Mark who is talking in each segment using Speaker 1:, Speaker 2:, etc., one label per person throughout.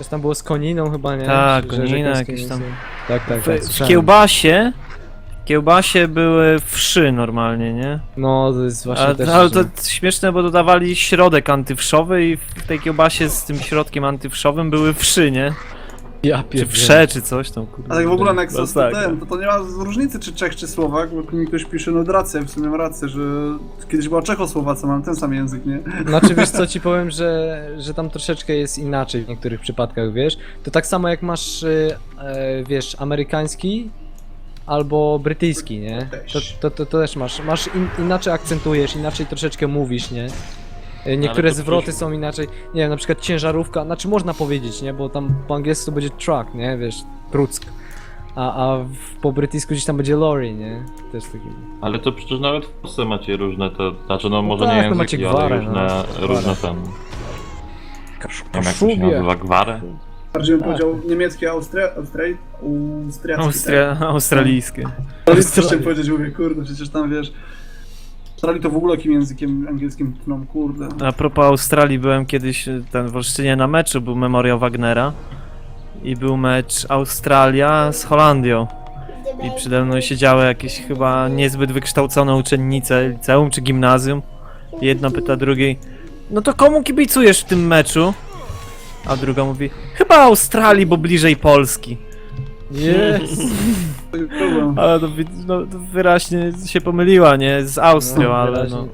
Speaker 1: Coś tam było z koniną chyba, nie?
Speaker 2: Tak,
Speaker 1: Że
Speaker 2: konina
Speaker 1: końskie
Speaker 2: jakieś tam.
Speaker 1: mięso. Tak,
Speaker 2: W
Speaker 1: słyszałem.
Speaker 2: kiełbasie były wszy normalnie, nie?
Speaker 1: No, to jest właśnie też...
Speaker 2: Ale to
Speaker 1: że-
Speaker 2: śmieszne, bo dodawali środek antywszowy i w tej kiełbasie z tym środkiem antywszowym były wszy, nie?
Speaker 1: Ja
Speaker 2: Czy
Speaker 1: pierdzielę.
Speaker 2: wsze, czy coś tam, kurde.
Speaker 3: A tak w ogóle Nexus to
Speaker 2: Masakra.
Speaker 3: ten, to nie ma różnicy czy Czech czy Słowak, bo tu mi ktoś pisze, no racja, w sumie mam rację, że kiedyś była Czechosłowacja, mam ten sam język, nie?
Speaker 1: Znaczy wiesz co ci powiem, że tam troszeczkę jest inaczej w niektórych przypadkach, wiesz? To tak samo jak masz, wiesz, amerykański albo brytyjski, nie? To też masz inaczej akcentujesz, inaczej troszeczkę mówisz, nie? Niektóre
Speaker 4: to
Speaker 1: zwroty
Speaker 4: przecież-
Speaker 1: są inaczej, nie wiem, na przykład ciężarówka, znaczy można powiedzieć, nie? Bo tam po angielsku to będzie truck, nie? Wiesz, truck. Po brytyjsku gdzieś tam będzie lorry, nie? Też taki...
Speaker 4: Ale to przecież nawet w Polsce macie różne te, znaczy no może
Speaker 1: tak,
Speaker 4: nie
Speaker 1: no
Speaker 4: języki,
Speaker 1: macie
Speaker 4: ale
Speaker 1: gwarę,
Speaker 4: różne,
Speaker 1: no,
Speaker 4: różne
Speaker 1: gwarę.
Speaker 4: ten, nie wiem jak to się nazywa, gwarę?
Speaker 3: Bardziej bym
Speaker 1: Tak.
Speaker 3: powiedział niemieckie, austriackie.
Speaker 2: Australijskie.
Speaker 3: Ale co chciałem powiedzieć, mówię, kurde, przecież tam wiesz... Australii to w ogóle jakim językiem angielskim tną, kurde.
Speaker 2: A propos Australii, byłem kiedyś w Olsztynie na meczu, był memoriał Wagnera i był mecz Australia z Holandią i przede mną siedziały jakieś chyba niezbyt wykształcone uczennice liceum czy gimnazjum. Jedna pyta drugiej, no to komu kibicujesz w tym meczu? A druga mówi, chyba Australii, bo bliżej Polski.
Speaker 1: Jest!
Speaker 2: Ale to, no, to wyraźnie się pomyliła, nie? Z Austrią, ale no,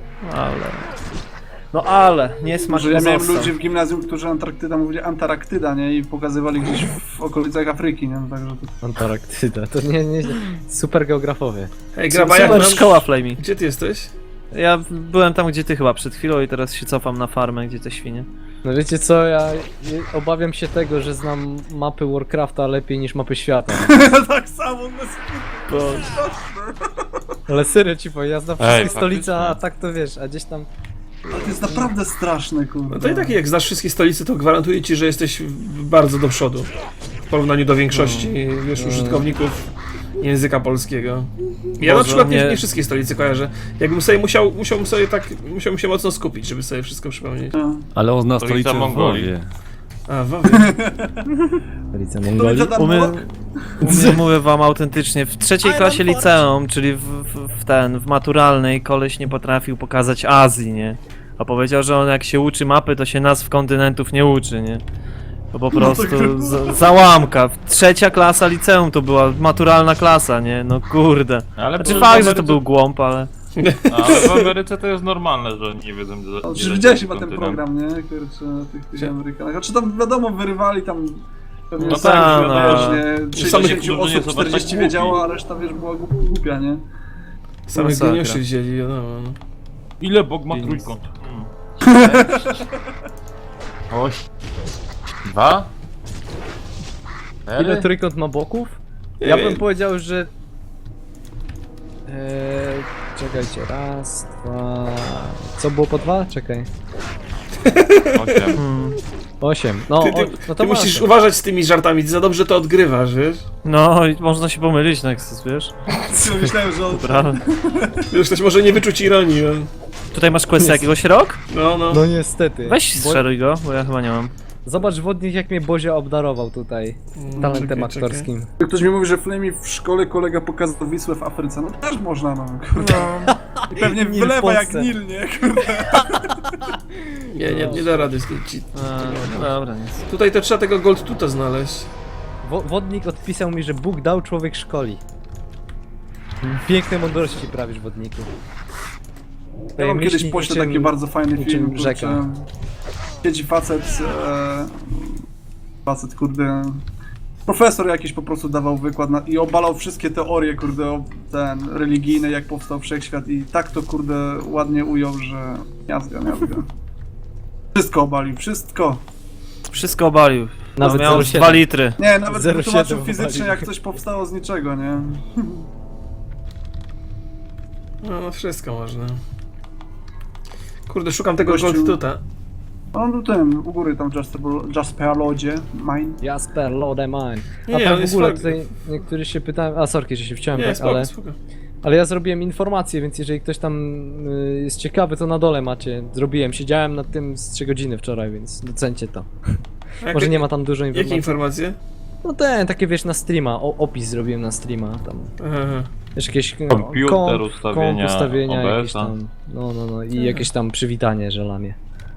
Speaker 2: ale, nie smak
Speaker 3: Może ja miałem
Speaker 2: pozostał.
Speaker 3: ludzi w gimnazjum, którzy Antarktyda mówili Antarktyda, nie? I pokazywali gdzieś w okolicach Afryki, nie? Także to...
Speaker 1: Antarktyda, to nie, super geografowie.
Speaker 5: Ej, Graba, jak
Speaker 2: Super
Speaker 5: nam...
Speaker 2: szkoła Flamey.
Speaker 5: Gdzie ty jesteś?
Speaker 2: Ja byłem tam, gdzie ty chyba przed chwilą i teraz się cofam na farmę, gdzie te świnie.
Speaker 1: No wiecie co, ja obawiam się tego, że znam mapy Warcrafta lepiej niż mapy świata.
Speaker 3: tak samo,
Speaker 1: Ale serio ci powiem, ja znam
Speaker 4: Ej,
Speaker 1: wszystkie stolice,
Speaker 4: faktycznie.
Speaker 1: a tak to wiesz, a gdzieś tam...
Speaker 3: to jest naprawdę straszne, kurde.
Speaker 5: No to i tak jak znasz wszystkie stolice, to gwarantuję ci, że jesteś bardzo do przodu. W porównaniu do większości, wiesz, użytkowników języka polskiego. Ja na
Speaker 2: Boże,
Speaker 5: przykład
Speaker 2: nie-
Speaker 5: nie wszystkie stolice kojarzę. Jakbym sobie musiałbym się mocno skupić, żeby sobie wszystko przypomnieć.
Speaker 6: Ale on zna
Speaker 4: Stolica
Speaker 6: stolicę w
Speaker 4: Mongolii.
Speaker 6: Lwowie.
Speaker 5: A, Wawie.
Speaker 1: Stolica
Speaker 3: Stolica
Speaker 1: Mongolii.
Speaker 3: Danmok?
Speaker 2: Mówię wam autentycznie, w trzeciej klasie liceum, czyli w maturalnej, koleś nie potrafił pokazać Azji, nie? A powiedział, że on jak się uczy mapy, to się nazw kontynentów nie uczy, nie? To po prostu załamka. Trzecia klasa liceum to była maturalna klasa, nie? No kurde.
Speaker 4: Ale
Speaker 2: Znaczy
Speaker 4: w
Speaker 2: fakt, że to
Speaker 4: Ameryce-
Speaker 2: był głąb, ale...
Speaker 4: Ale w Ameryce to jest normalne, że nie wiedzą gdzie
Speaker 3: No,
Speaker 4: gdzie
Speaker 3: czy widziałeś
Speaker 4: leci
Speaker 3: chyba ten
Speaker 4: kontynent.
Speaker 3: program, nie? Kurczę, tych Amerykanach. Znaczy tam wiadomo, wyrywali tam... Pewnie
Speaker 4: No
Speaker 3: sam,
Speaker 2: tak,
Speaker 3: że,
Speaker 2: no.
Speaker 3: wiesz, nie,
Speaker 5: Samych
Speaker 3: 60
Speaker 4: ludzi nie
Speaker 3: osób,
Speaker 4: są tak
Speaker 3: 40
Speaker 4: głupi.
Speaker 3: wiedziało, a reszta, wiesz, była głupia, nie?
Speaker 5: Samych
Speaker 2: Masakra.
Speaker 5: geniuszy wzięli, wiadomo. No.
Speaker 4: Ile Bóg ma
Speaker 2: Pięć.
Speaker 4: trójkąt? Oś. Dwa?
Speaker 1: Ile trójkąt ma boków?
Speaker 5: Nie
Speaker 1: Ja
Speaker 5: wiem.
Speaker 1: bym powiedział, że... Czekajcie, raz, dwa... Co było po dwa? Czekaj.
Speaker 4: 8.
Speaker 1: 8. No, no to
Speaker 5: Ty musisz
Speaker 1: masz.
Speaker 5: uważać z tymi żartami, ty za dobrze to odgrywasz, wiesz?
Speaker 2: No, i można się pomylić, Nexus, wiesz?
Speaker 3: Myślałem, że on...
Speaker 2: Prawda.
Speaker 5: Już ktoś może nie wyczuć ironii, no.
Speaker 2: Tutaj masz quest jakiegoś rok?
Speaker 5: No, no.
Speaker 1: No niestety.
Speaker 2: Weź strzeluj go, bo ja chyba nie mam.
Speaker 1: Zobacz wodnik, jak mnie Bozia obdarował tutaj talentem
Speaker 5: czekaj,
Speaker 1: aktorskim.
Speaker 3: Ktoś mi mówi, że Flamey w szkole kolega pokazał Wisłę w Afryce. No też można, no, kurde. I pewnie
Speaker 1: Nil w
Speaker 3: wylewa jak
Speaker 1: Polsce.
Speaker 3: Nil, nie? Kurde.
Speaker 5: Nie da rady skrócić.
Speaker 2: No dobra, nic.
Speaker 5: Tutaj to trzeba tego Gold Tuta znaleźć.
Speaker 1: Wodnik odpisał mi, że Bóg dał, człowiek szkoli. Piękne mądrości prawisz, wodniku.
Speaker 3: Ja wam kiedyś
Speaker 1: Myśli
Speaker 3: poślę
Speaker 1: niczym-
Speaker 3: taki bardzo fajny
Speaker 1: niczym
Speaker 3: film,
Speaker 1: rzeka.
Speaker 3: kurczę. Siedzi facet, kurde, profesor jakiś po prostu dawał wykład i obalał wszystkie teorie, kurde, religijne, jak powstał wszechświat i tak to, kurde, ładnie ujął, że miazga. Wszystko obalił, wszystko.
Speaker 2: Wszystko obalił.
Speaker 1: Nawet
Speaker 2: Miał
Speaker 1: 0,7.
Speaker 2: 2 litry.
Speaker 3: Nie, nawet
Speaker 1: 0,7
Speaker 3: wytłumaczył fizycznie,
Speaker 1: obalił.
Speaker 3: jak coś powstało z niczego, nie?
Speaker 5: No, wszystko można. Kurde, szukam tego
Speaker 3: Gościu.
Speaker 5: Gold Tuta.
Speaker 3: On był ten, u góry tam Jasperlodzie, mine.
Speaker 1: Jasper, Lode Mine.
Speaker 5: Nie,
Speaker 1: A
Speaker 5: on
Speaker 1: tak w
Speaker 5: jest
Speaker 1: ogóle
Speaker 5: fajny.
Speaker 1: tutaj niektórzy się pytają, a sorki, że się wciąłem,
Speaker 5: Nie,
Speaker 1: tak,
Speaker 5: spoko,
Speaker 1: ale...
Speaker 5: spoko.
Speaker 1: Ale ja zrobiłem informację, więc jeżeli ktoś tam jest ciekawy, to na dole macie. Zrobiłem, siedziałem nad tym z 3 godziny wczoraj, więc docencie to. Może nie ma tam dużo
Speaker 5: Jakie
Speaker 1: informacji.
Speaker 5: informacje?
Speaker 1: No takie wiesz na streama, opis zrobiłem na streama tam.
Speaker 5: Aha.
Speaker 1: Wiesz, jakieś
Speaker 4: Komputer, ustawienia,
Speaker 1: ustawienia jakieś
Speaker 4: OBS-a.
Speaker 1: tam. No i jakieś tam przywitanie, że lamie.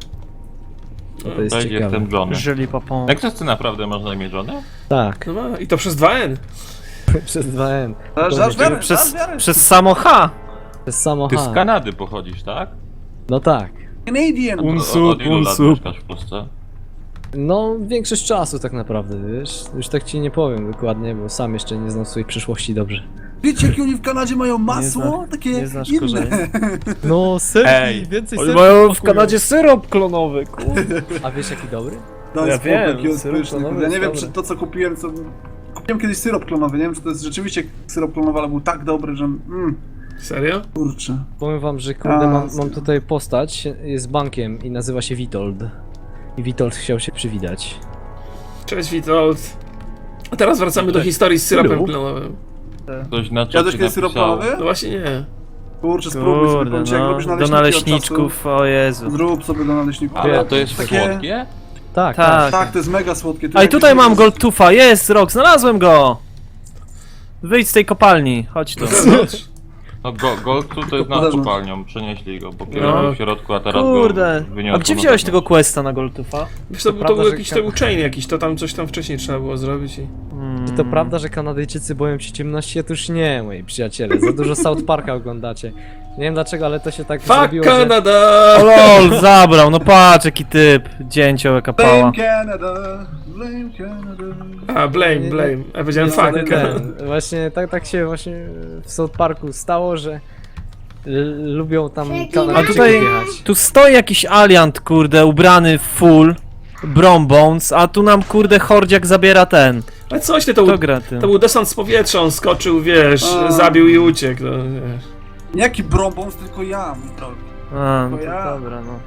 Speaker 1: No to jest
Speaker 4: Cześć,
Speaker 1: ciekawe.
Speaker 4: jestem Johnny.
Speaker 2: Żyli popą.
Speaker 4: Jak to ty naprawdę masz na imię Johnny?
Speaker 1: Tak,
Speaker 5: No ma, i to przez 2N.
Speaker 1: przez 2N.
Speaker 3: Aż wiarę,
Speaker 2: Przez,
Speaker 3: aż wiarę.
Speaker 2: przez samo H.
Speaker 1: Przez samo
Speaker 4: Ty
Speaker 1: H.
Speaker 4: z Kanady pochodzisz, tak?
Speaker 1: No tak.
Speaker 3: Canadian.
Speaker 4: Od ilu lat
Speaker 2: Unsup.
Speaker 4: mieszkasz w Polsce?
Speaker 1: No, większość czasu tak naprawdę, wiesz? Już tak ci nie powiem dokładnie, bo sam jeszcze nie znam swojej przyszłości dobrze.
Speaker 3: Wiecie, jakie oni w Kanadzie mają masło? Takie
Speaker 2: nie znasz
Speaker 3: inne.
Speaker 2: korzeni.
Speaker 1: No, serki,
Speaker 4: Ej,
Speaker 1: więcej
Speaker 2: Oni
Speaker 1: serki
Speaker 2: mają w
Speaker 1: smakują.
Speaker 2: Kanadzie syrop klonowy, kurde.
Speaker 1: A wiesz jaki dobry?
Speaker 3: No
Speaker 2: Ja
Speaker 3: jest
Speaker 2: wiem,
Speaker 3: jaki on jest
Speaker 1: syrop
Speaker 3: pyszny.
Speaker 1: klonowy
Speaker 3: Ja nie
Speaker 1: jest
Speaker 3: wiem,
Speaker 1: dobry.
Speaker 3: czy to co kupiłem, co... Kupiłem kiedyś syrop klonowy, nie wiem, czy to jest rzeczywiście syrop klonowy, ale był tak dobry, że...
Speaker 5: Serio?
Speaker 3: Kurczę.
Speaker 1: Powiem wam, że kurde,
Speaker 3: A,
Speaker 1: mam tutaj postać, jest bankiem i nazywa się Witold. I Witold chciał się przywitać.
Speaker 5: Cześć Witold. A teraz wracamy do historii z syropem klonowym.
Speaker 4: Ktoś na
Speaker 3: Jadłeś
Speaker 4: czacie
Speaker 3: kiedyś syrop
Speaker 4: napisał...
Speaker 3: klonowy?
Speaker 5: No właśnie nie.
Speaker 3: Kurczę, spróbuj sobie,
Speaker 2: Kurde,
Speaker 3: powiem ci, jak
Speaker 2: no.
Speaker 3: robisz
Speaker 2: Do
Speaker 3: naleśniki od
Speaker 2: naleśniczków, o Jezu.
Speaker 3: czasu. Zrób sobie do naleśników.
Speaker 4: Ale to jest
Speaker 3: Takie-
Speaker 4: słodkie?
Speaker 1: Tak,
Speaker 2: Tak.
Speaker 3: Tak, to jest mega słodkie.
Speaker 2: A i tutaj mam Goldtufa, jest rok, znalazłem go! Wyjdź z tej kopalni, chodź tu.
Speaker 4: No Gold tu to jest nad
Speaker 3: Podarzył.
Speaker 4: kopalnią, przenieśli go, bo
Speaker 5: No.
Speaker 4: kiedyś był w środku, a teraz
Speaker 2: Kurde,
Speaker 4: go wyniosło
Speaker 2: a gdzie
Speaker 4: na
Speaker 2: wziąłeś
Speaker 4: zewnątrz.
Speaker 2: tego questa na Goldtufa?
Speaker 5: Wiesz, to
Speaker 1: prawda,
Speaker 5: był
Speaker 1: że
Speaker 5: jakiś tam chain jakiś, to tam coś tam wcześniej trzeba było zrobić i...
Speaker 1: Czy to prawda, że Kanadyjczycy boją się ciemności? Otóż nie, moi przyjaciele. Za dużo South Parka oglądacie. Nie wiem dlaczego, ale to się tak
Speaker 5: Fuck
Speaker 1: zrobiło, że...
Speaker 5: Canada!
Speaker 2: O lol, zabrał, no patrz jaki typ. Dzięcioł jaka pała.
Speaker 3: Blame Canada, blame Canada.
Speaker 5: A, blame. Ja powiedziałem
Speaker 1: Niestety
Speaker 5: fuck Canada.
Speaker 1: Właśnie tak się właśnie w South Parku stało, że lubią tam
Speaker 2: A
Speaker 1: Kanadyjczyków
Speaker 2: tutaj,
Speaker 1: jechać.
Speaker 2: tu stoi jakiś aliant, kurde, ubrany w full. Brombones, a tu nam kurde hordziak zabiera ten.
Speaker 5: Ale coś ty, to
Speaker 2: Kto
Speaker 5: był,
Speaker 2: gra tym?
Speaker 5: to był desant z powietrza, on skoczył, wiesz,
Speaker 3: A.
Speaker 5: zabił i uciekł, no wiesz.
Speaker 3: Jaki brombons, tylko ja, mój drogi.
Speaker 2: A, no
Speaker 3: To
Speaker 2: to
Speaker 3: ja.
Speaker 2: dobra, no.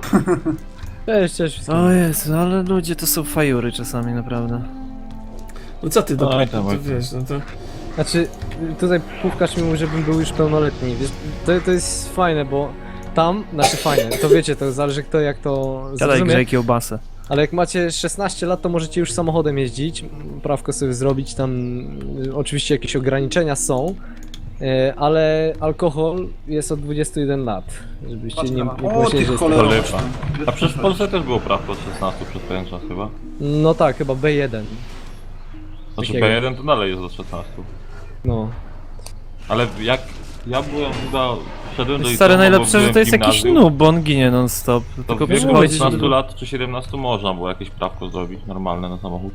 Speaker 1: Cześć wszystkim.
Speaker 2: O Jezu, ale ludzie to są fajury czasami, naprawdę.
Speaker 5: No co ty,
Speaker 4: Oj,
Speaker 5: to
Speaker 4: tam, oj.
Speaker 5: wiesz, no to...
Speaker 1: Znaczy, tutaj Pówkarz mi mówi, żebym był już pełnoletni, wiesz, to jest fajne, bo tam, znaczy fajne, to wiecie, to zależy kto jak to
Speaker 2: Gadaj
Speaker 1: zrozumie,
Speaker 2: grzej kiełbasę.
Speaker 1: ale jak macie 16 lat, to możecie już samochodem jeździć, prawko sobie zrobić, tam oczywiście jakieś ograniczenia są, ale alkohol jest od 21 lat, żebyście nie
Speaker 3: O,
Speaker 1: pomyśleli,
Speaker 3: ty
Speaker 1: że jest
Speaker 3: cholera.
Speaker 4: To lipa. A przecież w Polsce też było prawo od 16 przez pewien czas chyba.
Speaker 1: No tak, chyba B1,
Speaker 4: Znaczy
Speaker 1: Takiego.
Speaker 4: B1 to dalej jest do 16.
Speaker 1: no.
Speaker 4: Ale jak ja byłem chyba, szedłem do
Speaker 2: Stary,
Speaker 4: liceum, albo
Speaker 2: najlepsze, że
Speaker 4: byłem
Speaker 2: to jest
Speaker 4: w
Speaker 2: jakiś
Speaker 4: gimnazjum,
Speaker 2: noob, bo on ginie non stop.
Speaker 4: To
Speaker 2: Tylko
Speaker 4: w wieku
Speaker 2: przychodzi...
Speaker 4: 16 lat czy 17 można było jakieś prawko zrobić normalne na samochód.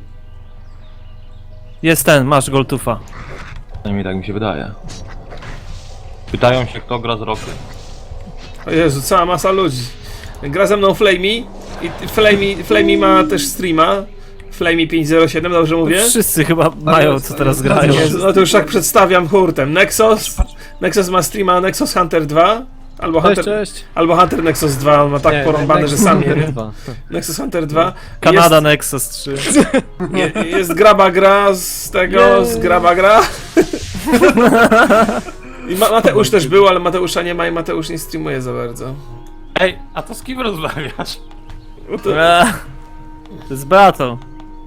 Speaker 2: Jest ten, masz Goldtufa.
Speaker 4: Przynajmniej tak mi się wydaje. Pytają się kto gra z Rokiem.
Speaker 5: O Jezu, cała masa ludzi. Gra ze mną Flamey i Flamey ma też streama. Flamey 507, dobrze mówię?
Speaker 2: Wszyscy chyba mają co teraz grają.
Speaker 5: Jezu, no to już tak przedstawiam hurtem. Nexus ma streama Nexus Hunter 2. Albo
Speaker 1: Cześć,
Speaker 5: Hunter,
Speaker 1: cześć.
Speaker 5: albo Hunter Nexus 2, on ma tak
Speaker 1: Nie,
Speaker 5: porąbane, że
Speaker 1: Nexus
Speaker 5: sam nie
Speaker 1: Hunter
Speaker 5: wie.
Speaker 1: 2.
Speaker 5: Nexus Hunter 2.
Speaker 2: Kanada Nexus 3.
Speaker 5: Jest graba gra z tego, z graba gra. I Mateusz też był, ale Mateusza nie ma i Mateusz nie streamuje za bardzo.
Speaker 4: Ej, a to z kim rozmawiasz?
Speaker 5: No to,
Speaker 2: To jest battle.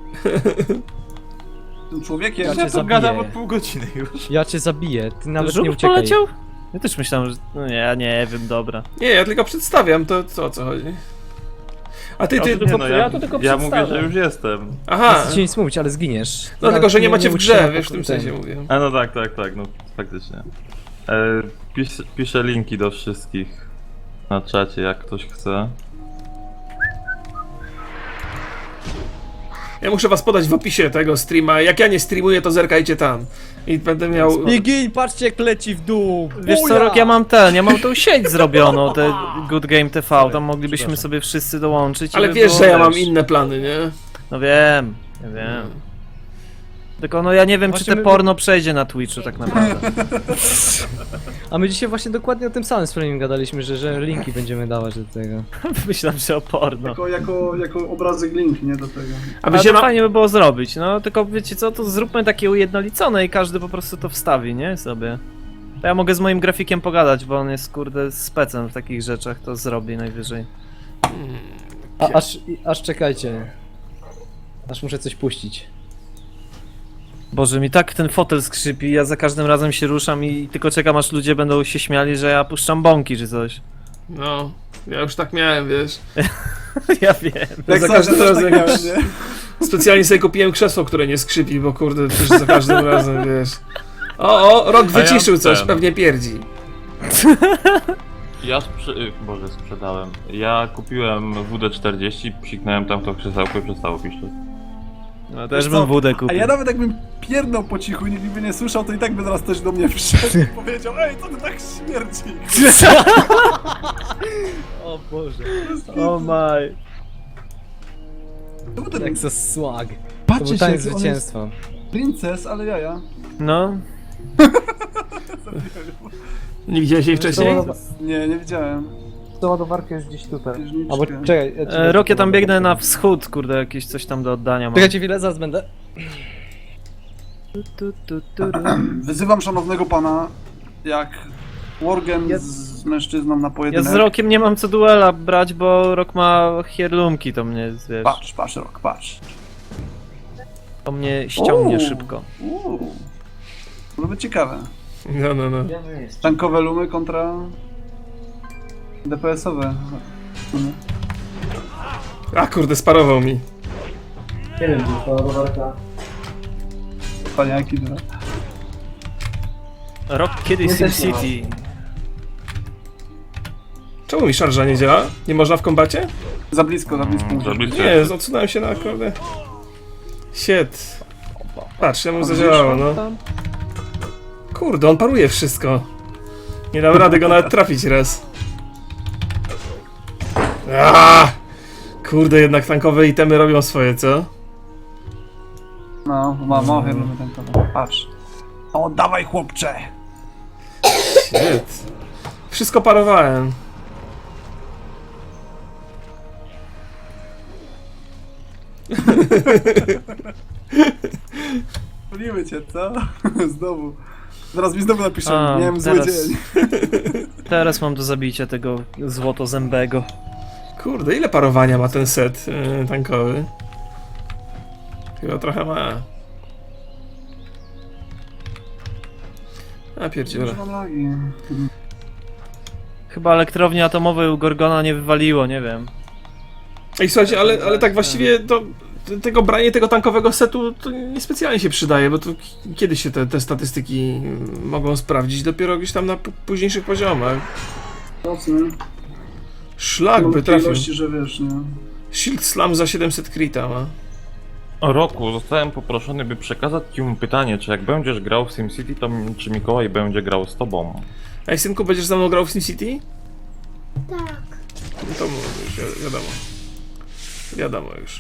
Speaker 3: Tym człowiekiem.
Speaker 1: Ja cię
Speaker 4: Ja to
Speaker 1: zabiję.
Speaker 4: gadam od pół godziny już.
Speaker 1: Ja cię zabiję, ty nawet
Speaker 2: Żółw
Speaker 1: nie uciekaj.
Speaker 2: poleciał? Ja też myślałem, że... No nie, ja nie wiem, dobra.
Speaker 5: nie, ja tylko przedstawiam, to o co chodzi. A ty,
Speaker 4: Nie, no,
Speaker 2: ja to tylko
Speaker 4: ja mówię,
Speaker 2: przedstawiam.
Speaker 4: że już jestem.
Speaker 5: aha,
Speaker 1: Nie chcę ci nic mówić, ale zginiesz.
Speaker 5: no tylko, że nie macie w
Speaker 1: musisz
Speaker 5: grze,
Speaker 1: na
Speaker 5: wiesz, w tym
Speaker 1: ten.
Speaker 5: sensie mówię.
Speaker 4: A no tak, no faktycznie. Piszę linki do wszystkich na czacie, jak ktoś chce.
Speaker 5: Ja muszę was podać w opisie tego streama, jak ja nie streamuję, to zerkajcie tam. I będę miał...
Speaker 1: Nie gin, patrzcie jak leci w dół!
Speaker 2: Wiesz co,
Speaker 1: Buja!
Speaker 2: Rok, ja mam tą sieć zrobioną, te Good Game TV, tam moglibyśmy sobie wszyscy dołączyć. i
Speaker 5: Ale
Speaker 2: by
Speaker 5: wiesz,
Speaker 2: było,
Speaker 5: że ja mam
Speaker 2: wiesz.
Speaker 5: inne plany, nie?
Speaker 2: No wiem, ja wiem. Tylko no ja nie wiem, czy
Speaker 1: Właśnie
Speaker 2: te
Speaker 1: my-
Speaker 2: porno przejdzie na Twitchu tak naprawdę.
Speaker 1: A my dzisiaj właśnie dokładnie o tym samym z Flaming gadaliśmy, że linki będziemy dawać do tego.
Speaker 2: Myślałem, że o porno.
Speaker 3: Jako obrazek link, nie do tego.
Speaker 5: A
Speaker 2: Ale
Speaker 5: wiecie,
Speaker 2: to fajnie by było zrobić, no tylko wiecie co, to zróbmy takie ujednolicone i każdy po prostu to wstawi, nie? Sobie. To ja mogę z moim grafikiem pogadać, bo on jest kurde specem w takich rzeczach, to zrobi najwyżej.
Speaker 1: Aż czekajcie. Aż muszę coś puścić.
Speaker 2: Boże, mi tak ten fotel skrzypi, ja za każdym razem się ruszam i tylko czekam, aż ludzie będą się śmiali, że ja puszczam bąki czy coś.
Speaker 5: No, ja już tak miałem, wiesz.
Speaker 2: Ja wiem.
Speaker 3: Jak
Speaker 5: za
Speaker 3: zawsze
Speaker 5: każdym
Speaker 3: też
Speaker 5: razem
Speaker 3: tak miałem, nie?
Speaker 5: Specjalnie sobie kupiłem krzesło, które nie skrzypi, bo kurde, też za każdym razem, wiesz. O, Rok wyciszył coś,
Speaker 4: ten.
Speaker 5: pewnie pierdzi.
Speaker 4: Ja sprzedałem. Ja kupiłem WD-40, psiknąłem tam to krzesełko i przestało piszczeć.
Speaker 2: No też
Speaker 3: Wiesz
Speaker 2: bym
Speaker 3: co?
Speaker 2: wódę
Speaker 3: A
Speaker 2: kupił.
Speaker 3: ja nawet jakbym pierdnął po cichu i nikt by nie słyszał, to i tak by zaraz ktoś do mnie wszedł i powiedział: ej, co ty tak śmierdzi?
Speaker 1: O Boże.
Speaker 2: O maj.
Speaker 3: To był ten,
Speaker 1: Jak za swag. To
Speaker 3: patrzcie
Speaker 1: był
Speaker 3: się,
Speaker 1: taniec
Speaker 3: jaki on jest
Speaker 1: zwycięstwa.
Speaker 3: princes, ale jaja.
Speaker 2: No. Nie widziałeś jej wcześniej?
Speaker 3: Nie widziałem.
Speaker 1: To ładowarka jest gdzieś tutaj.
Speaker 3: Księżniczkę.
Speaker 1: Albo czekaj.
Speaker 2: Rok, ja tam biegnę na wschód, kurde, jakieś coś tam do oddania mam.
Speaker 1: Czekajcie chwilę, zaraz będę.
Speaker 3: Wyzywam szanownego pana, jak Worgen z mężczyzną na
Speaker 2: Ja
Speaker 3: pojedynek.
Speaker 2: z Rokiem nie mam co duela brać, bo Rok ma hierlumki, to mnie, wiesz,
Speaker 3: Patrz, Rok, patrz.
Speaker 2: to mnie ściągnie
Speaker 3: Uuu.
Speaker 2: szybko.
Speaker 3: Może być ciekawe.
Speaker 5: No.
Speaker 3: Tankowe lumy kontra DPS-owe.
Speaker 5: A kurde, sparował mi.
Speaker 1: Nie wiem, to ładowarka.
Speaker 3: Paniaki, że...
Speaker 2: Rok kiedyś SimCity.
Speaker 5: Czemu mi szarża nie działa? Nie można w kombacie?
Speaker 3: Za blisko.
Speaker 4: Za blisko.
Speaker 5: Nie, odsunąłem się na kurde. Shit. Patrz, ja mu zadziałało, no. Kurde, on paruje wszystko. Nie dam rady go nawet trafić raz. Aaaa! Kurde, jednak tankowe itemy robią swoje, co?
Speaker 3: No, mam lumy tankowe. Patrz. O, dawaj chłopcze!
Speaker 5: Shit. Wszystko parowałem.
Speaker 3: Poliły cię, co? Znowu. Zaraz mi znowu napiszą,
Speaker 2: A,
Speaker 3: miałem zły
Speaker 2: teraz-
Speaker 3: dzień.
Speaker 2: Teraz mam do zabicia tego złotozębego.
Speaker 5: Kurde, ile parowania ma ten set tankowy? Chyba trochę ma. A pierdziele.
Speaker 3: Mam lagi.
Speaker 2: Chyba elektrowni atomowej u Gorgona nie wywaliło, nie wiem.
Speaker 5: Ej, słuchajcie, ale tak właściwie to tego branie tego tankowego setu to niespecjalnie się przydaje, bo to kiedy się te statystyki mogą sprawdzić? Dopiero gdzieś tam na późniejszych poziomach.
Speaker 3: Mocny.
Speaker 5: Szlak by
Speaker 3: Mam
Speaker 5: trafił.
Speaker 3: ilości, że wiesz, nie?
Speaker 5: Shield Slam za 700 krita ma.
Speaker 4: O Roku, zostałem poproszony, by przekazać ci mu pytanie, czy jak będziesz grał w SimCity, to czy Mikołaj będzie grał z tobą?
Speaker 5: Ej, synku, będziesz ze mną grał w SimCity?
Speaker 6: Tak.
Speaker 5: No to już wiadomo. Wiadomo już.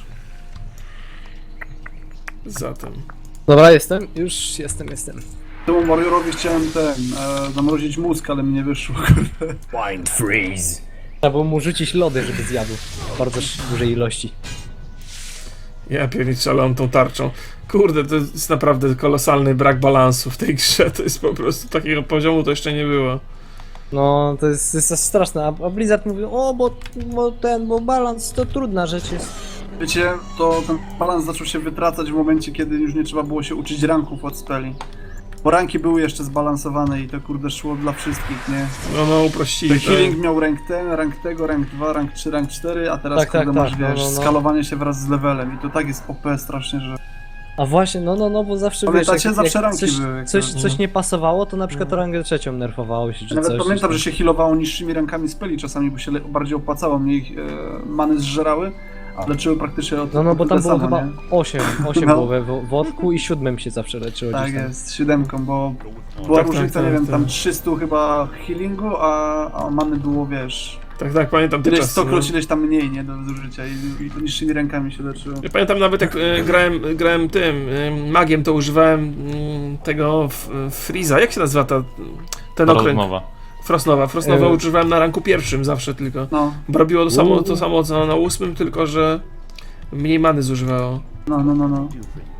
Speaker 5: Zatem.
Speaker 1: Dobra, jestem. Już jestem.
Speaker 3: Temu Mariorowi chciałem zamrozić mózg, ale mi nie wyszło.
Speaker 1: Mind freeze. Trzeba było mu rzucić lody, żeby zjadł. W bardzo dużej ilości.
Speaker 5: Ja pierniczę tą tarczą. Kurde, to jest naprawdę kolosalny brak balansu w tej grze. To jest po prostu takiego poziomu to jeszcze nie było.
Speaker 1: No, to jest straszne. A Blizzard mówi, o, bo balans to trudna rzecz jest.
Speaker 3: Wiecie, to ten balans zaczął się wytracać w momencie, kiedy już nie trzeba było się uczyć ranków od speli. Bo ranki były jeszcze zbalansowane i to kurde szło dla wszystkich, nie?
Speaker 5: No, uprościli
Speaker 3: To healing miał rank ten, rank tego, rank 2, rank 3, rank 4, a teraz
Speaker 1: Tak,
Speaker 3: kurde
Speaker 1: tak,
Speaker 3: masz,
Speaker 1: tak,
Speaker 3: wiesz,
Speaker 1: no.
Speaker 3: skalowanie się wraz z levelem i to tak jest OP strasznie, że...
Speaker 1: A właśnie, no, bo zawsze
Speaker 3: Pamiętacie?
Speaker 1: wiesz,
Speaker 3: Zawsze ranki
Speaker 1: coś,
Speaker 3: były, jak
Speaker 1: coś nie pasowało, to na przykład rangę trzecią nerfowało się, czy
Speaker 3: Nawet
Speaker 1: coś.
Speaker 3: pamiętam, że się healowało niższymi rankami speli czasami, bo się bardziej opłacało, mniej many zżerały, a leczyły praktycznie od
Speaker 1: No, bo tam
Speaker 3: tyle
Speaker 1: było
Speaker 3: samo,
Speaker 1: chyba
Speaker 3: nie?
Speaker 1: 8
Speaker 3: No.
Speaker 1: było we wodku i 7 się zawsze leczyło
Speaker 3: Tak
Speaker 1: gdzieś tam.
Speaker 3: jest, 7, bo była
Speaker 5: Tak,
Speaker 3: różnica,
Speaker 5: tak,
Speaker 3: nie wiem,
Speaker 5: tak.
Speaker 3: tam 300 chyba healingu, a many było, wiesz,
Speaker 5: Tak, pamiętam te
Speaker 3: ileś
Speaker 5: czasy.
Speaker 3: stokroć, ileś tam mniej, nie, do zużycia i to niższymi rękami się leczyło.
Speaker 5: Ja pamiętam nawet jak grałem tym magiem, to używałem tego Freeza. Jak się nazywa ten okręg?
Speaker 4: Rozmowa.
Speaker 5: Frostnowa używałem na ranku pierwszym zawsze tylko.
Speaker 3: No,
Speaker 5: Bo robiło to samo co na 8, tylko że mniej many zużywało.
Speaker 3: no.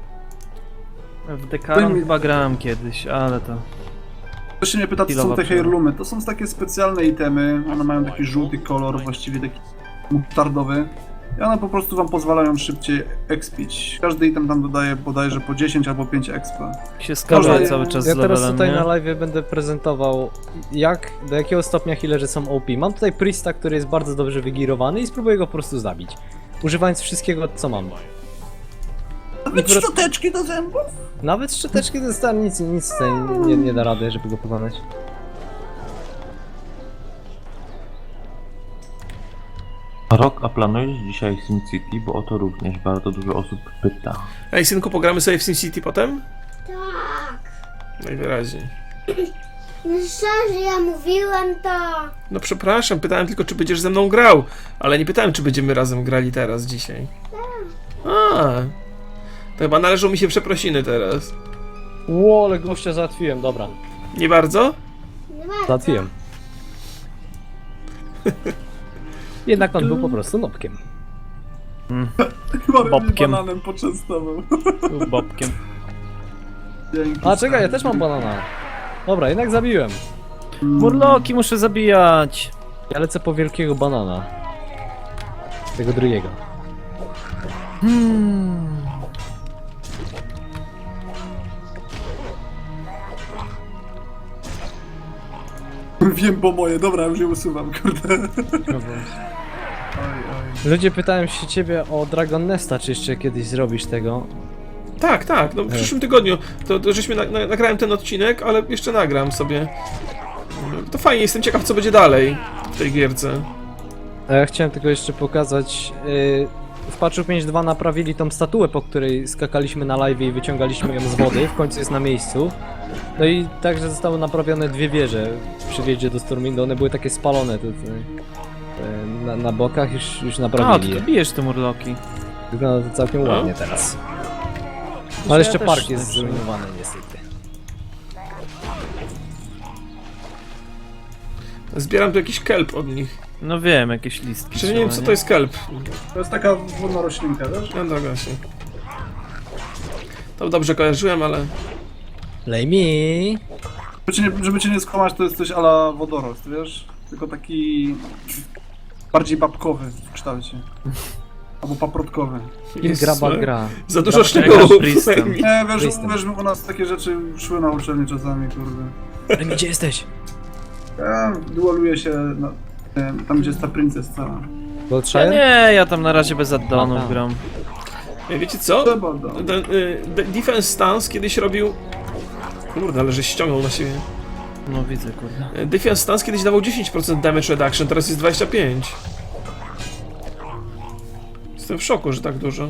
Speaker 2: W Dekaron chyba grałem kiedyś, ale to...
Speaker 3: Ktoś się mnie pyta, co są te heirloomy. To są takie specjalne itemy, one mają taki żółty kolor, właściwie taki mutardowy. I one po prostu wam pozwalają szybciej expić. Każdy item tam dodaje bodajże po 10 albo 5 expa.
Speaker 2: Się skaluje
Speaker 3: Można-
Speaker 2: cały czas
Speaker 1: Ja
Speaker 2: z
Speaker 1: teraz
Speaker 2: levelem,
Speaker 1: tutaj
Speaker 2: nie?
Speaker 1: na live będę prezentował do jakiego stopnia healerzy są OP. Mam tutaj Priesta, który jest bardzo dobrze wygirowany i spróbuję go po prostu zabić. Używając wszystkiego, co mam.
Speaker 3: Nawet szczoteczki do zębów?
Speaker 1: Nawet szczoteczki to stary, nic tutaj nie da rady, żeby go pokonać.
Speaker 4: Rok, a planujesz dzisiaj SimCity, bo o to również bardzo dużo osób pyta.
Speaker 5: Ej, synku, pogramy sobie w SimCity potem?
Speaker 6: Tak.
Speaker 5: Najwyraźniej.
Speaker 6: No szczerze, ja mówiłem to.
Speaker 5: No przepraszam, pytałem tylko, czy będziesz ze mną grał, ale nie pytałem, czy będziemy razem grali teraz, dzisiaj. A, to chyba należą mi się przeprosiny teraz.
Speaker 1: Ło, ale gościa załatwiłem, dobra.
Speaker 5: Nie bardzo?
Speaker 6: Nie bardzo.
Speaker 1: Załatwiłem. Jednak on był po prostu nopkiem.
Speaker 3: Chyba mnie
Speaker 2: Bobkiem.
Speaker 3: bananem poczęstował.
Speaker 2: Bobkiem.
Speaker 3: Dzięki.
Speaker 1: A czekaj, ja też mam banana. Dobra, jednak zabiłem.
Speaker 2: Murloki muszę zabijać.
Speaker 1: Ja lecę po wielkiego banana. Tego drugiego.
Speaker 3: Wiem, bo moje. Dobra, już je usuwam, kurde. Oj, oj.
Speaker 1: Ludzie pytają się ciebie o Dragon Nesta, czy jeszcze kiedyś zrobisz tego.
Speaker 5: Tak, tak, no w przyszłym tygodniu to żeśmy nagrałem ten odcinek, ale jeszcze nagram sobie. To fajnie, jestem ciekaw, co będzie dalej w tej gierce.
Speaker 1: A ja chciałem tylko jeszcze pokazać. W patchu 5.2 naprawili tą statuę, po której skakaliśmy na live i wyciągaliśmy ją z wody. W końcu jest na miejscu. No i także zostały naprawione dwie wieże przy wjeździe do Stormwindu. One były takie spalone tutaj. Na bokach już
Speaker 2: A,
Speaker 1: naprawili
Speaker 2: to
Speaker 1: je.
Speaker 2: ty bijesz te murloki.
Speaker 1: Wygląda to całkiem
Speaker 5: No.
Speaker 1: ładnie teraz.
Speaker 2: Ja
Speaker 1: Ale jeszcze
Speaker 2: też
Speaker 1: park jest
Speaker 2: tak
Speaker 1: zrujnowany niestety.
Speaker 5: Zbieram tu jakiś kelp od nich.
Speaker 2: No wiem, jakieś listki.
Speaker 5: Przecież nie wiem,
Speaker 2: trzeba,
Speaker 5: co to jest kelp.
Speaker 3: To jest taka wodna roślinka, wiesz?
Speaker 5: No dobra się. To dobrze kojarzyłem, ale...
Speaker 1: Lej mi.
Speaker 3: Żeby cię nie skłamać, to jest coś a la wodorost, wiesz? Tylko taki... bardziej babkowy w kształcie. Albo paprotkowy.
Speaker 5: Jezus,
Speaker 1: Graba
Speaker 5: ale
Speaker 1: gra.
Speaker 5: Za dużo
Speaker 2: Graba
Speaker 5: szczegółów.
Speaker 2: gra z Priestem.
Speaker 3: Nie, wiesz,
Speaker 1: Kristen.
Speaker 3: wiesz, u nas takie rzeczy szły na uczelni czasami, kurde.
Speaker 1: Lej mi, gdzie jesteś?
Speaker 3: Ja dualuję się na, tam, gdzie jest ta princess cała.
Speaker 2: Ja
Speaker 1: Goldshire?
Speaker 2: nie, ja tam na razie bez addonów
Speaker 1: Aha.
Speaker 2: gram.
Speaker 5: Ej, wiecie co?
Speaker 3: Trzeba, no.
Speaker 5: Ten Defense Stance kiedyś robił... Kurde, ale żeś ściągnął na siebie.
Speaker 2: No widzę, kurde.
Speaker 5: Defense Stance kiedyś dawał 10% damage reduction, teraz jest 25%. Jestem w szoku, że tak dużo.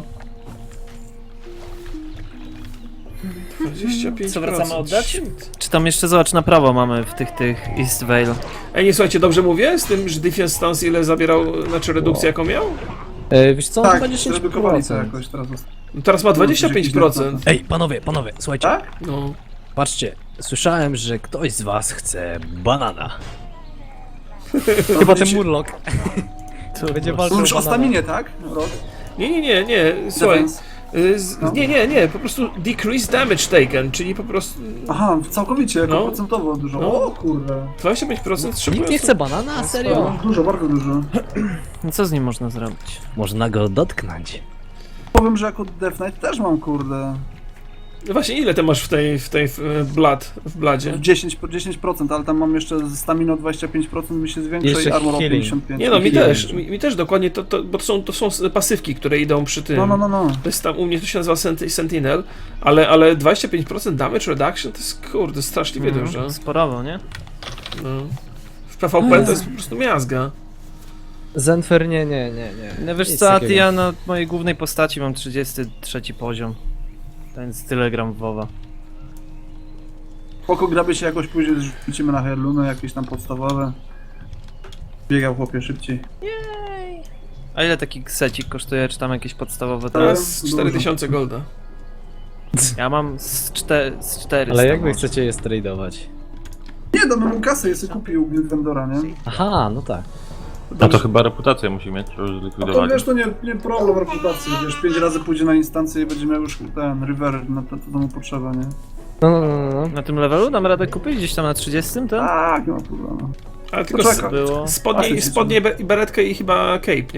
Speaker 5: 25%.
Speaker 2: Co, wracamy oddać?
Speaker 5: Shit.
Speaker 2: Czy tam jeszcze zobacz na prawo mamy w tych East Vale.
Speaker 5: Ej, nie słuchajcie, dobrze mówię? Z tym, że Defense Stance ile zabierał, znaczy redukcję jaką miał?
Speaker 1: Wiesz co,
Speaker 3: Tak,
Speaker 1: chyba 10%.
Speaker 3: zredukowali to jakoś teraz.
Speaker 5: No teraz ma 25%.
Speaker 1: Ej, panowie, słuchajcie.
Speaker 3: Tak?
Speaker 5: No.
Speaker 1: Patrzcie, słyszałem, że ktoś z was chce banana. Chyba ten Murloc.
Speaker 2: To
Speaker 1: Będzie walczył
Speaker 3: Mówisz
Speaker 1: o
Speaker 3: o
Speaker 1: banana.
Speaker 3: staminie, tak? Rod?
Speaker 5: Nie, słuchaj.
Speaker 3: Defense. No.
Speaker 5: Nie, po prostu decrease damage taken, czyli po prostu
Speaker 3: Aha, całkowicie, jako
Speaker 5: No.
Speaker 3: procentowo dużo.
Speaker 5: No.
Speaker 3: O kurde.
Speaker 5: 25% szybko.
Speaker 1: Nikt nie chce banana? Serio?
Speaker 3: No, dużo, bardzo dużo.
Speaker 2: No co z nim można zrobić?
Speaker 1: Można go dotknąć.
Speaker 3: Powiem, że jako Death Knight też mam, kurde,
Speaker 5: No właśnie, ile ty masz w bladzie?
Speaker 3: 10%, ale tam mam jeszcze stamina 25% mi się zwiększa
Speaker 1: Jeszcze
Speaker 3: i armor o
Speaker 1: healing.
Speaker 3: 55%.
Speaker 5: Nie no, mi
Speaker 3: I healing.
Speaker 5: też, mi też dokładnie, bo to są pasywki, które idą przy tym.
Speaker 3: No.
Speaker 5: To jest tam, u mnie to się nazywa Sentinel, ale 25% damage reduction to jest kurde straszliwie dużo.
Speaker 2: Sporowo, nie?
Speaker 5: No. W PvP to jest po prostu miazga.
Speaker 1: Zenfer nie.
Speaker 2: No wiesz
Speaker 1: Nic
Speaker 2: co,
Speaker 1: takiego.
Speaker 2: ja na mojej głównej postaci mam 33 poziom. Więc tyle gram w WoWa.
Speaker 3: Spoko, graby się jakoś później rzucimy na Heirloomy, jakieś tam podstawowe. Biegał chłopie szybciej.
Speaker 2: A ile taki secik kosztuje, czy tam jakieś podstawowe
Speaker 5: Teraz
Speaker 2: teraz?
Speaker 3: Dużo.
Speaker 5: 4000 golda.
Speaker 2: Ja mam z 400.
Speaker 1: Ale jak wy
Speaker 2: może.
Speaker 1: chcecie je stradować?
Speaker 3: Nie, damy mu kasę, jest kupił Guild Vendora, nie?
Speaker 1: Aha, no tak.
Speaker 4: A to chyba reputację musi mieć, już
Speaker 3: A to
Speaker 4: zlikwidowali.
Speaker 3: wiesz, to nie problem reputacji, wiesz, 5 razy pójdzie na instancję i będzie miał już ten river, na to mu potrzeba, nie?
Speaker 1: No.
Speaker 2: Na tym levelu dam radę kupić gdzieś tam na 30, to?
Speaker 3: Tak, nie ma problemu.
Speaker 5: Ale tylko
Speaker 3: Poczekaj.
Speaker 2: Było.
Speaker 5: spodnie i beretkę i chyba cape, nie?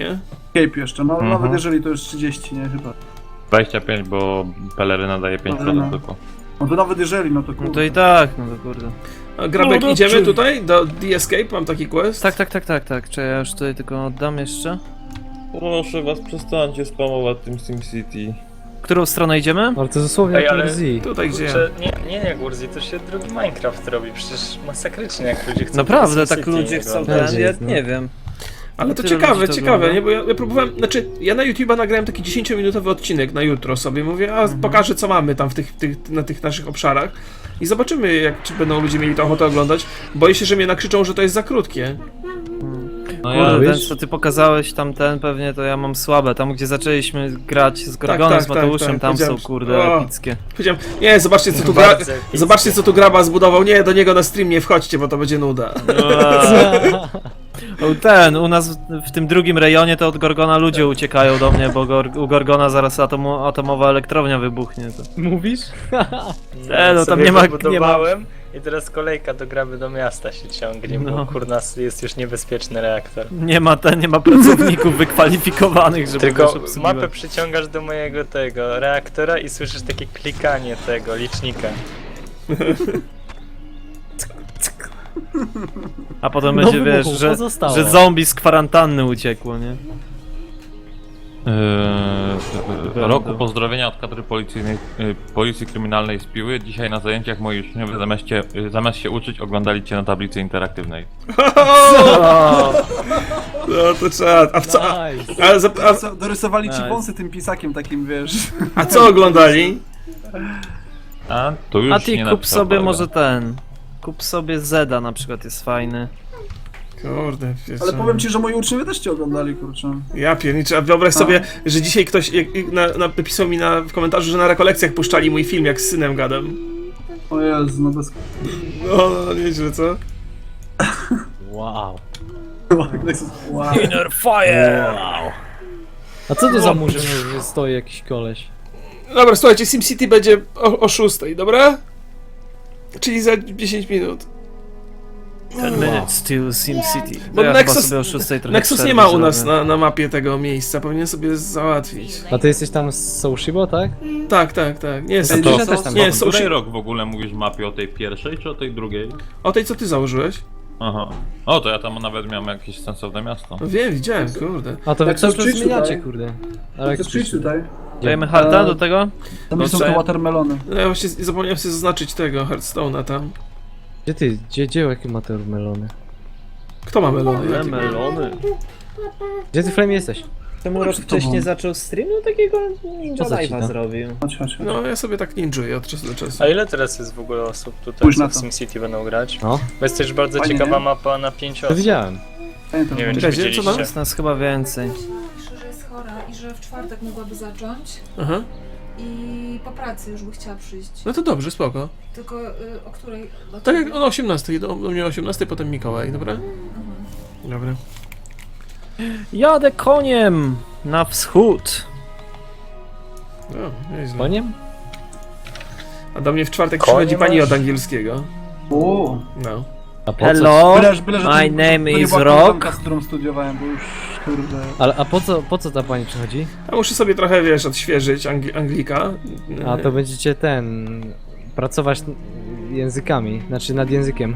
Speaker 3: Cape jeszcze, no
Speaker 4: Mhm.
Speaker 3: nawet jeżeli to już 30, nie chyba.
Speaker 4: 25, bo peleryna daje 5%
Speaker 3: Peleryna.
Speaker 4: tylko.
Speaker 3: No to nawet jeżeli, no to
Speaker 2: No
Speaker 3: kurde.
Speaker 2: to i tak, no to kurde.
Speaker 5: A Grabek,
Speaker 2: No,
Speaker 5: idziemy
Speaker 2: dobrze.
Speaker 5: tutaj do The Escape? Mam taki quest?
Speaker 2: Tak. Czy ja już tutaj tylko oddam jeszcze?
Speaker 4: Proszę was, przestańcie spamować tym SimCity.
Speaker 2: Którą stronę idziemy?
Speaker 1: Ale to dosłownie
Speaker 7: Ej,
Speaker 1: jak
Speaker 7: ale-
Speaker 1: LZ.
Speaker 5: Tutaj gdzie ja.
Speaker 7: Kurczę, nie, Gurzi, to się drugi Minecraft robi, przecież masakrycznie jak ludzie chcą...
Speaker 2: Naprawdę,
Speaker 7: tego
Speaker 2: tak
Speaker 7: SimCity
Speaker 2: ludzie chcą
Speaker 7: oglądać.
Speaker 2: ten, ja nie wiem.
Speaker 5: Ale to
Speaker 2: Tyle
Speaker 5: ciekawe,
Speaker 2: ludzi to
Speaker 5: ciekawe,
Speaker 2: ogląda.
Speaker 5: nie? Bo ja próbowałem, znaczy ja na YouTube'a nagrałem taki 10-minutowy odcinek na jutro sobie, mówię, a pokażę co mamy tam na tych naszych obszarach i zobaczymy, czy będą ludzie mieli to ochotę oglądać. Boję się, że mnie nakrzyczą, że to jest za krótkie.
Speaker 4: No
Speaker 2: Kurde,
Speaker 1: ja-
Speaker 2: ten co ty pokazałeś tamten pewnie to ja mam słabe. Tam gdzie zaczęliśmy grać z Gorgonem,
Speaker 5: tak,
Speaker 2: z Mateuszem,
Speaker 5: tak,
Speaker 2: tam są
Speaker 5: powiedziałem,
Speaker 2: kurde
Speaker 5: o.
Speaker 2: epickie.
Speaker 5: Powiedziałem, nie, zobaczcie co tu
Speaker 7: Bardzo epickie.
Speaker 5: zobaczcie co tu Graba zbudował, nie, do niego na stream nie wchodźcie, bo to będzie nuda.
Speaker 2: O, ten, u nas w tym drugim rejonie to od Gorgona ludzie uciekają do mnie, bo u Gorgona zaraz atomowa elektrownia wybuchnie. To.
Speaker 1: Mówisz?
Speaker 2: No, tam
Speaker 7: sobie
Speaker 2: nie ma-
Speaker 7: wybudowałem i teraz kolejka do Graby do miasta się ciągnie,
Speaker 2: No.
Speaker 7: bo kurna jest już niebezpieczny reaktor.
Speaker 2: Nie ma pracowników wykwalifikowanych, żeby
Speaker 7: Tylko
Speaker 2: też obsługiwać.
Speaker 7: mapę przyciągasz do mojego tego reaktora i słyszysz takie klikanie tego licznika.
Speaker 2: A potem
Speaker 1: No
Speaker 2: będzie,
Speaker 1: wybuchu,
Speaker 2: wiesz, że
Speaker 1: pozostało.
Speaker 2: zombie z kwarantanny uciekło, nie?
Speaker 4: Roku pozdrowienia od kadry policyjnej, Policji Kryminalnej z Piły. Dzisiaj na zajęciach moi uczniowie zamiast się uczyć oglądali cię na tablicy interaktywnej.
Speaker 5: No to trzeba, a w co,
Speaker 1: Nice.
Speaker 3: Dorysowali ci
Speaker 2: Nice.
Speaker 3: wąsy tym pisakiem takim, wiesz.
Speaker 5: a co oglądali?
Speaker 4: A to już
Speaker 2: A ty
Speaker 4: nie
Speaker 2: kup
Speaker 4: napisał
Speaker 2: sobie
Speaker 4: kolega.
Speaker 2: może ten. Kup sobie Zeda na przykład, jest fajny.
Speaker 5: Kurde, wiesz
Speaker 3: Ale
Speaker 5: co.
Speaker 3: powiem ci, że moi uczniowie też cię oglądali, kurczę.
Speaker 5: Ja pierniczę, a wyobraź sobie, że dzisiaj ktoś napisał mi w komentarzu, że na rekolekcjach puszczali mój film, jak z synem gadam.
Speaker 3: O Jezu, no bez...
Speaker 5: No, nieźle, co?
Speaker 1: Wow.
Speaker 3: Wow.
Speaker 2: Inner fire!
Speaker 1: Wow. A co to za murzyn, że stoi jakiś koleś?
Speaker 5: Dobra, słuchajcie, SimCity będzie o 6, dobra? Czyli za 10 minut.
Speaker 2: 10 minutes to SimCity.
Speaker 5: Bo
Speaker 2: Ja
Speaker 5: Nexus-
Speaker 2: chyba sobie o 6 trochę
Speaker 5: Nexus nie
Speaker 2: przerwy
Speaker 5: ma u nas
Speaker 2: zrobię.
Speaker 5: na mapie tego miejsca, powinien sobie załatwić.
Speaker 1: A ty jesteś tam z Soushibo, tak?
Speaker 5: Tak. Nie,
Speaker 3: Ej,
Speaker 5: są,
Speaker 1: to
Speaker 3: nie,
Speaker 1: też tam
Speaker 5: nie,
Speaker 4: O
Speaker 5: są
Speaker 4: której rok w ogóle mówisz mapie, o tej pierwszej czy o tej drugiej?
Speaker 5: o tej, co ty założyłeś?
Speaker 4: Aha. O, to ja tam nawet miałem jakieś sensowne miasto.
Speaker 5: No wiem, widziałem, kurde.
Speaker 1: A to wy
Speaker 3: Jak
Speaker 1: cały
Speaker 3: chcesz
Speaker 1: czas
Speaker 3: przyjść
Speaker 1: zmieniacie,
Speaker 3: tutaj?
Speaker 1: kurde. Ale
Speaker 3: To przyjdź tutaj.
Speaker 2: Dajemy harda do tego?
Speaker 3: Tam są
Speaker 2: Dobrze.
Speaker 3: te watermelony.
Speaker 5: No ja właśnie zapomniałem sobie zaznaczyć tego Hearthstone'a tam.
Speaker 1: Gdzie jakie ma te melony?
Speaker 5: Kto ma melony? Jakie?
Speaker 2: Melony.
Speaker 1: Gdzie ty, Flame, jesteś?
Speaker 2: Temu
Speaker 3: rok wcześniej
Speaker 2: zaczął streamu takiego Ninja
Speaker 1: Po co ci to?
Speaker 2: zrobił.
Speaker 3: Chodź.
Speaker 5: No ja sobie tak ninjuję od czasu do czasu.
Speaker 7: A ile teraz jest w ogóle osób tutaj,
Speaker 3: Spójrz
Speaker 7: co
Speaker 3: na
Speaker 7: w
Speaker 3: to.
Speaker 7: SimCity będą grać?
Speaker 1: No,
Speaker 7: Bo jest też bardzo
Speaker 3: Fajnie,
Speaker 7: ciekawa
Speaker 3: nie?
Speaker 7: mapa na 5
Speaker 1: to
Speaker 7: osób.
Speaker 1: widziałem.
Speaker 3: Pamiętam.
Speaker 7: Nie wiem, czy
Speaker 5: Czekajcie, co
Speaker 7: widzieliście.
Speaker 5: tam?
Speaker 2: Jest nas chyba więcej.
Speaker 8: Pisze, że jest chora i że w czwartek mogłaby zacząć
Speaker 5: Aha.
Speaker 8: i po pracy już by chciała przyjść.
Speaker 5: No to dobrze, spoko.
Speaker 8: Tylko o której? Do
Speaker 5: Tak jak
Speaker 8: ciebie?
Speaker 5: o 18, do mnie o 18, potem Mikołaj, dobra? Dobra.
Speaker 2: Jadę koniem na wschód.
Speaker 5: O, nieźle.
Speaker 1: Koniem?
Speaker 5: A do mnie w czwartek
Speaker 7: Konie
Speaker 5: przychodzi pani
Speaker 7: masz?
Speaker 5: od angielskiego.
Speaker 3: O.
Speaker 5: No.
Speaker 1: A po co?
Speaker 2: Hello,
Speaker 3: że to
Speaker 2: my
Speaker 3: nie
Speaker 2: name is
Speaker 3: była
Speaker 2: Rock.
Speaker 3: koleżanka, z którą studiowałem, bo już, kurde...
Speaker 1: Ale a po co ta pani przychodzi?
Speaker 5: A muszę sobie trochę, wiesz, odświeżyć Anglika.
Speaker 1: A to będziecie pracować językami, znaczy nad językiem.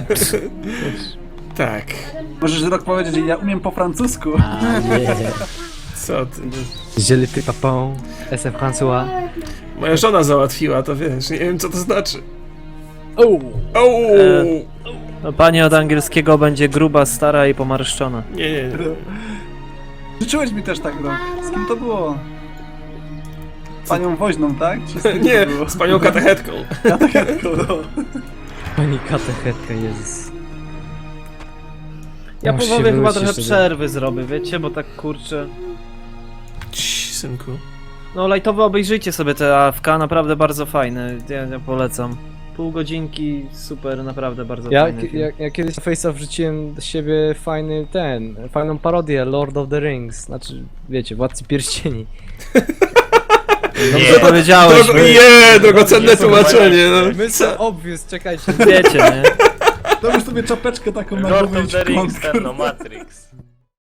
Speaker 5: Tak.
Speaker 3: Możesz rok powiedzieć, że ja umiem po francusku.
Speaker 5: Co ty?
Speaker 1: Je le fais papon, SF François.
Speaker 5: Moja żona załatwiła, to wiesz, nie wiem co to znaczy.
Speaker 1: Oh.
Speaker 2: No, pani od angielskiego będzie gruba, stara i pomarszczona.
Speaker 5: Nie.
Speaker 3: Życzyłeś mi też tak, rok. Z kim to było? Panią Woźną, tak? Czy z kim
Speaker 5: Nie,
Speaker 3: to było?
Speaker 5: z panią katechetką.
Speaker 1: Pani katechetka, Jezus.
Speaker 2: Ja
Speaker 1: Muszę
Speaker 2: powoli
Speaker 1: się
Speaker 2: chyba
Speaker 1: wrócić
Speaker 2: trochę
Speaker 1: jeszcze do-
Speaker 2: przerwy zrobię, wiecie, bo tak kurczę.
Speaker 5: Cii, synku.
Speaker 2: No lajtowo obejrzyjcie sobie te AFK, naprawdę bardzo fajne, ja polecam. Pół godzinki, super, naprawdę bardzo fajny film.
Speaker 1: Ja kiedyś na Face'a wrzuciłem do siebie fajną parodię Lord of the Rings, znaczy, wiecie, Władcy Pierścieni.
Speaker 2: Dobrze powiedziałeś,
Speaker 5: Drogocenne tłumaczenie, no.
Speaker 1: Mr. Obvious, czekajcie.
Speaker 2: wiecie, nie?
Speaker 3: Dałeś sobie czapeczkę taką na
Speaker 7: Lord
Speaker 3: głowę i
Speaker 7: of the
Speaker 3: ci
Speaker 7: Rings,
Speaker 3: kąt,
Speaker 7: ten no, Matrix.